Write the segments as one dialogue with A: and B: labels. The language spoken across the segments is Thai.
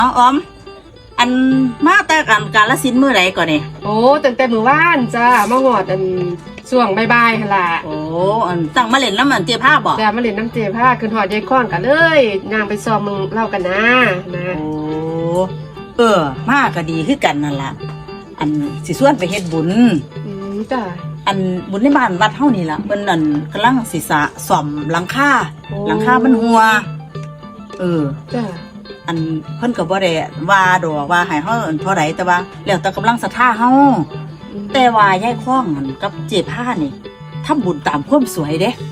A: น้องออมอันมาแต่กันกาลสินธุ์มื้อใดก่อนนี่
B: โอ้ตั้งแต่มื้อวานจ้ามาหอดช่วงบ่ายๆหั่นล่ะ
A: โอ้อันตั้งมาเล่นน้ำมันเจี๊ยผ้าบ่
B: แต่มาเล่นน้ำเจผ้าขึ้นหอดยายค้อนกันเลยย่างไปซ้อมมึงเล่ากันนะ
A: โอ้มาก็ดีคือกันนั่นล่ะอันสิส่วนไปเฮ็ดบุญ
B: จ้า
A: อันบุญในบ้านวัดเฮานี่ล่ะเพิ่นอันกำลังสิซ่อมหลังคามันหัว
B: จ้า
A: อันเพิ่นก็บ่ได้ว่าดอกว่าให้เฮาเท่าใดแต่ว่าแล้วแต่กำลังศรัทธาเฮาแต่ว่ายายคล้องนั่นกับเจ๊ผ้านี่ทำบุญตามความสวยเด้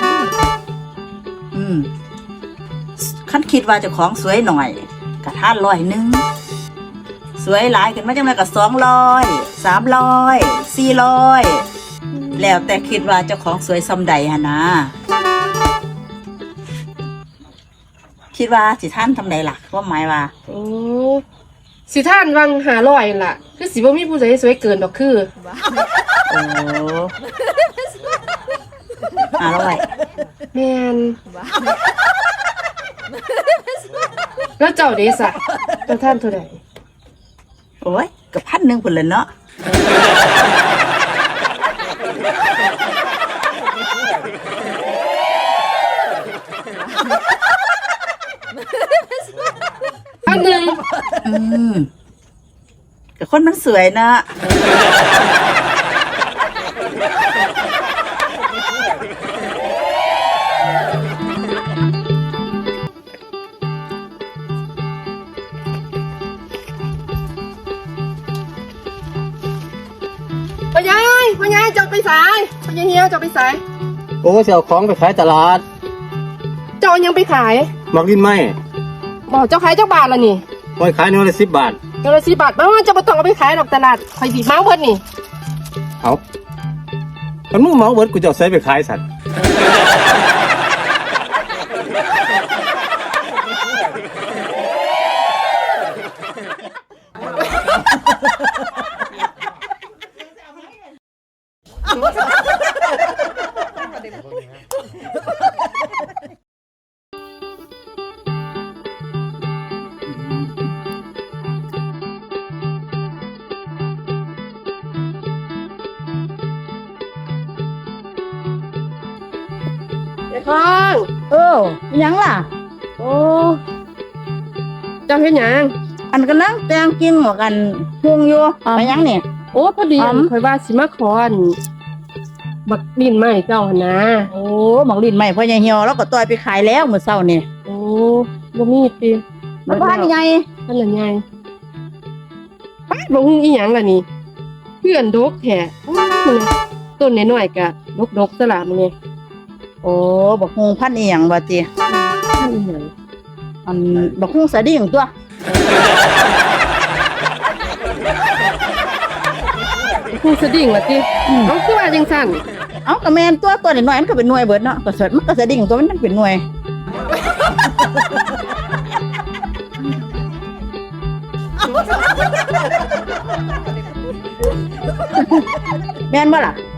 A: คันคิดว่าเจ้าของสวยหน่อยก็ทาน100สวยหลายขึ้นมาจังได๋ก็200 300 400แล้วแต่คิดว่าเจ้าของสวยซำใดหั่นนะคิดว่าสิท่านทำไดล่ะว่าหมายว่า
B: โอ้สิท่านวัง500นั่นล่ะคือสิบ่มีผู้ใดสวยเกินดอกคือ
A: โอ้500
B: แม่นแล้วเจ้าเด้ซะเจ้าท่านเท่าใด
A: โอ้ยก็1,000พุ่นแหละเนาะกับคนมันสวยนะ
B: พ่อยายเจ้าไปสายพ่อยายเฮียวเจ้าไปสาย
C: โอ้เสี่ยวของไปขายตลาด
B: เจ้ายังไปขาย
C: มักลิ้นไหม
B: บอกเจ้าขายเจ้าบาทละนี่
C: คอยขาย110 บาท
B: 110 บาทบ้านจะมาต้องเอาไปขายดอกตลาดคอยสีเมาเพิ่นนี่
C: เอามันมึงเมาเบิดกูจะเอาใส่ไปขายสัตว์
B: ท้อง
A: ยังล่ะ
B: โอ้เจ้าเฮ็ดหยัง
A: อันกำลังแต่งกินหมวกันพุงอยู่ไปยังนี่
B: โอ้พอดีข่อยว่าสิมาขอบักดินไม้เจ้าหั่นนะ
A: โอ้บักดินไม้พ่อยายเหี่ยวแล้วก็ต่อยไปขายแล้วมื้อเช้านี่
B: โอ้บ่มีติ
A: มันพันใหญ่
B: พันใหญ่ป้าบ่ฮู้อีหยังล่ะนี่เพื่อนดกแท้ต้นน้อยๆก็ดกๆซะล่ะมื้อนี้
A: โอ้บักฮูพันอีหยังบ่ติอันบักฮูสะดิ่งตัว
B: ฮูสะดิ่งว่าติเอาคือว่าจังซั่น
A: เอาก็แม่นตัวน้อยมันก็เป็นหน่วยเบิดเนาะก็สดมันก็สะดิ่งตัวมันเป็นหน่วยแม่นบ่ล่ะ